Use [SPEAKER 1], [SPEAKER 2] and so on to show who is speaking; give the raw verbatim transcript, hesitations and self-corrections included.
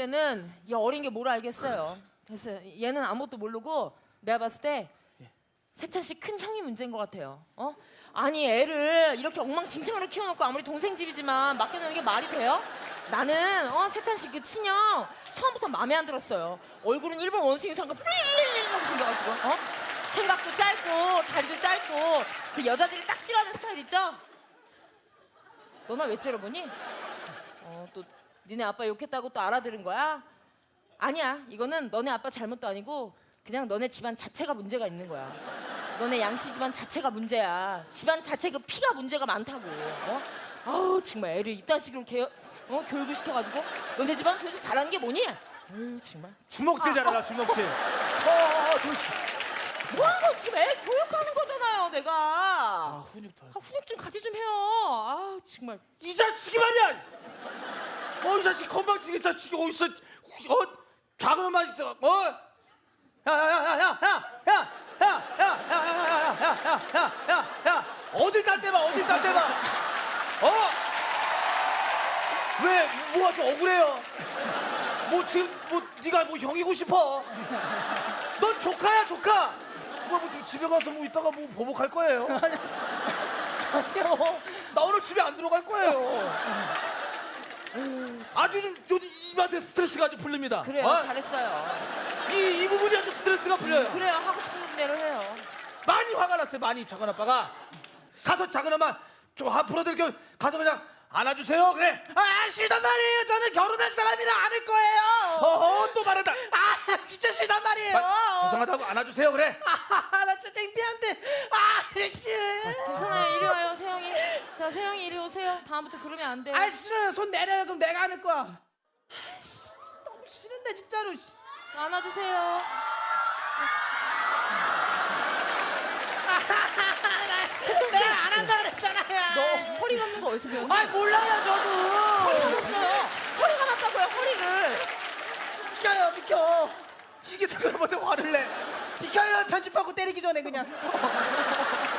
[SPEAKER 1] 때는 이 어린 게 뭘 알겠어요. 그래서 얘는 아무것도 모르고 내가 봤을 때 세찬 씨 큰 형이 문제인 것 같아요. 어? 아니 애를 이렇게 엉망진창으로 키워놓고 아무리 동생 집이지만 맡겨놓는 게 말이 돼요? 나는 어 세찬 씨 그 친형 처음부터 마음에 안 들었어요. 얼굴은 일본 원숭이 상과 삐리리리리리 생겨가지고 어? 생각도 짧고 다리도 짧고 그 여자들이 딱 싫어하는 스타일 있죠? 너나 왜 째려보니? 어, 또 니네 아빠 욕했다고 또 알아들은 거야? 아니야, 이거는 너네 아빠 잘못도 아니고 그냥 너네 집안 자체가 문제가 있는 거야. 너네 양씨 집안 자체가 문제야. 집안 자체 그 피가 문제가 많다고. 어? 아우 정말 애를 이딴 식으로 개, 어? 교육을 시켜가지고 너네 집안 도대체 잘하는 게 뭐니? 에휴 정말.
[SPEAKER 2] 주먹질 잘하라 주먹질. 어, 도시.
[SPEAKER 1] 뭐하는 거 지금 애 교육하는 거잖아요, 내가.
[SPEAKER 2] 아 훈육 더.
[SPEAKER 1] 아, 훈육 좀 같이 좀 해요. 아 정말.
[SPEAKER 2] 이 자식이 말이야. 어, 이 자식 건방지게 자식이 어디서 어 작은 맛 있어. 어? 야야야야야야야야야야야야야야야야야 어딜 딴 데봐 어딜 딴 데봐. 어? 왜 뭐가 좀 억울해요? 뭐 지금 뭐 네가 뭐 형이고 싶어? 넌 조카야 조카. 뭐, 뭐 집에 가서 뭐 이따가 뭐 보복할 거예요? 아니요. 나 오늘 집에 안 들어갈 거예요. 아주 좀 요즘 이 맛에 스트레스가 아주 풀립니다.
[SPEAKER 1] 그래요,
[SPEAKER 2] 어?
[SPEAKER 1] 잘했어요.
[SPEAKER 2] 이, 이 부분이 아주 스트레스가 풀려요.
[SPEAKER 1] 그래요, 하고 싶은 대로 해요.
[SPEAKER 2] 많이 화가 났어요. 많이 작은 아빠가 가서 작은 엄마 좀 앞으로들 그 가서 그냥 안아주세요. 그래.
[SPEAKER 3] 아 싫단 말이에요. 저는 결혼할 사람이랑 안을 거예요.
[SPEAKER 2] 어허 또 말한다.
[SPEAKER 3] 아 진짜 싫단 말이에요.
[SPEAKER 2] 마, 죄송하다고 안아주세요. 그래.
[SPEAKER 3] 아나 진짜 창피한데. 아 씨.
[SPEAKER 1] 괜찮아요, 이리 와요, 세영이. 자, 세영이 이리 오세요. 다음부터 그러면 안 돼요.
[SPEAKER 3] 아 싫어요. 손 내려요. 그럼 내가 안을 거야. 아, 씨, 너무 싫은데 진짜로.
[SPEAKER 1] 안아주세요. 세찬 씨,
[SPEAKER 3] 내가 안 한다 그랬잖아요.
[SPEAKER 1] 너 허리 감는 거 어디서 배웠니?
[SPEAKER 3] 아 몰라요 저도.
[SPEAKER 1] 허리 감았어요. 허리 감았다고요, 허리를.
[SPEAKER 3] 비켜요 비켜.
[SPEAKER 2] 이게 작은 엄마한테 화를 내.
[SPEAKER 3] 비켜요. 편집하고 때리기 전에 그냥.